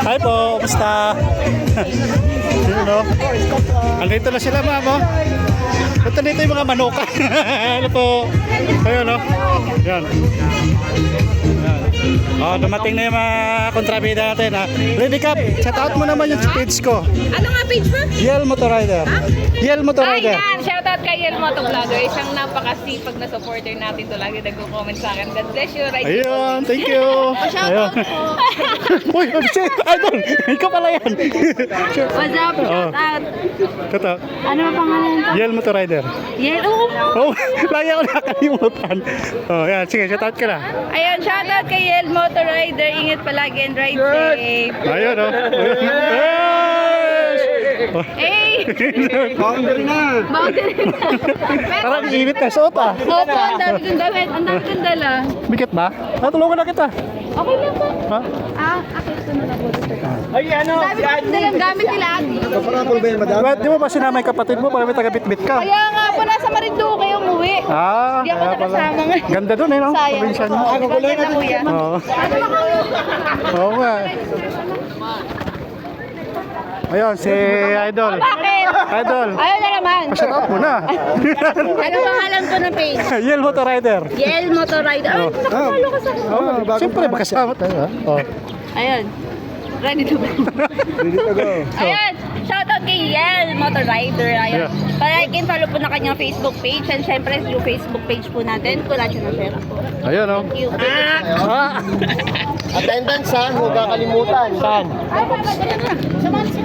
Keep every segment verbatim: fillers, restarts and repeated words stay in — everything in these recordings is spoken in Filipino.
Hi po, kumusta? Yun o. Andito na sila, ma'am, o. Ba't nandito yung mga manuka? Ano po? Ayun, o. Yan. Oh, dumating na yung mga kontrabida natin, ha. Ready Cap, shout out mo naman yung page ko. Ano nga page mo? Yel Motorrider. Yel Motorrider. Ayan, shoutout kay Yel Moto Vlogger. Isang napakasipag na supporter natin to. Lagi nagko-comment sa akin. God bless you. Right. Ayun, thank you. Ayun. Uy, shit, idol. Ikaw pala yan. What's up? Shoutout. Ito. Ano ang pangalan ko? Yel Motorrider. Yel, oo. Oh, lagi ako nakakalimutan. Oh, yan. Sige, shout out ka na. Ayun, shoutout kay Yel Moto Rider. Ingat palagi and ride safe. Ayun, oh. Hey! Boundary na. Boundary na. Parang init na suot, ah. Opo, ang dami kong damit. Ang dami kong dala. Bigat ba? Natulungan na kita. Okay lang po. Ha? Ah, akit ko na lang po. Ay, ano? Ang dami kong dalang gamit nila, Adi. Kaparapol ba yan, madam? Diba, di mo ba sinama yung kapatid mo para may taga-bit-bit ka? Kaya nga po, nasa Marinduque umuwi. Ah, Hindi ako kaya pala. nakasama nga. Ganda dun, eh, no? Sayang. Probinsya niyo. Ako ko lang na kuya. Oo. Oo nga. Ayun, si Idol. Bakit? Idol. Ayaw na naman. Pa-shout out mo na. Ano pangalan ko ng page? Yel Motorrider. Yel Motorrider. Ay, nakapalo ka sa Oh, siyempre, magkasama tayo, ha? Oh. Ayun. Ready to go. Ready to go. Ayun. Shoutout kay Yel Motorrider. Ayun. Yeah. Like and follow po na kanyang Facebook page. And syempre, yung Facebook page po natin. Kung natin na share po. Ayun, oh. Thank you. Ah! Ah! Attendance, ha? Huwag kakalimutan. Saan? Ay, papadala na. Samahan siya.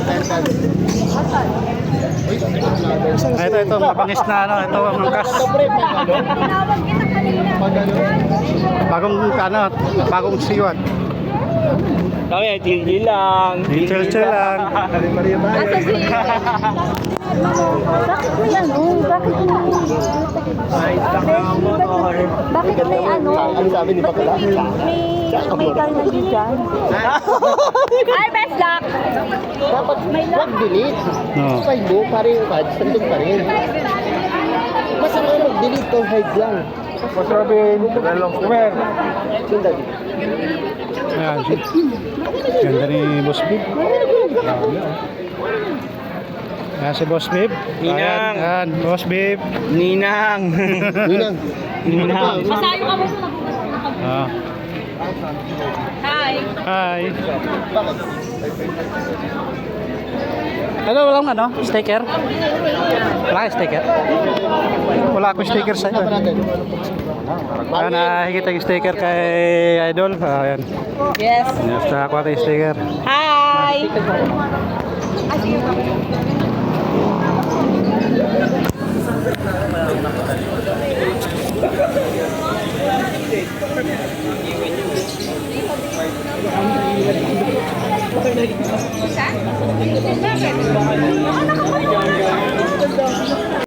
Ah, ito, ito, mabangis na, ano, ito, ang angkas. Tinawag kita kanina. Bagong, ano, bagong siwat. Kami, tingin lang. Chill-chill lang. Asa si... Bakit may ano? Bakit may... Bakit may ano? Ano sabi ni Bakla? May... May carnage dyan. Ay, best luck! Dapat wag delete. No. File mo, para yung cards, nandun pa rin. Mas ano mag-delete kung hide lang. Mas Robin, dalawang kumer. Sundali. Ayan. Ganda ni Boss Bib. Ayan si Boss Bib. Ayan, ayan, Boss Bib. Ninang. Ninang. Ninang. Masayo ka mo sa Ah. Hi! Hi. Ano, walang ano? Sticker? Wala ka sticker? Wala akong sticker sa'yo. Ayan, nakikita yung sticker kay Idol. Ayan. Yes! Yes, nakakuha tayo yung sticker. Hi! Bakit?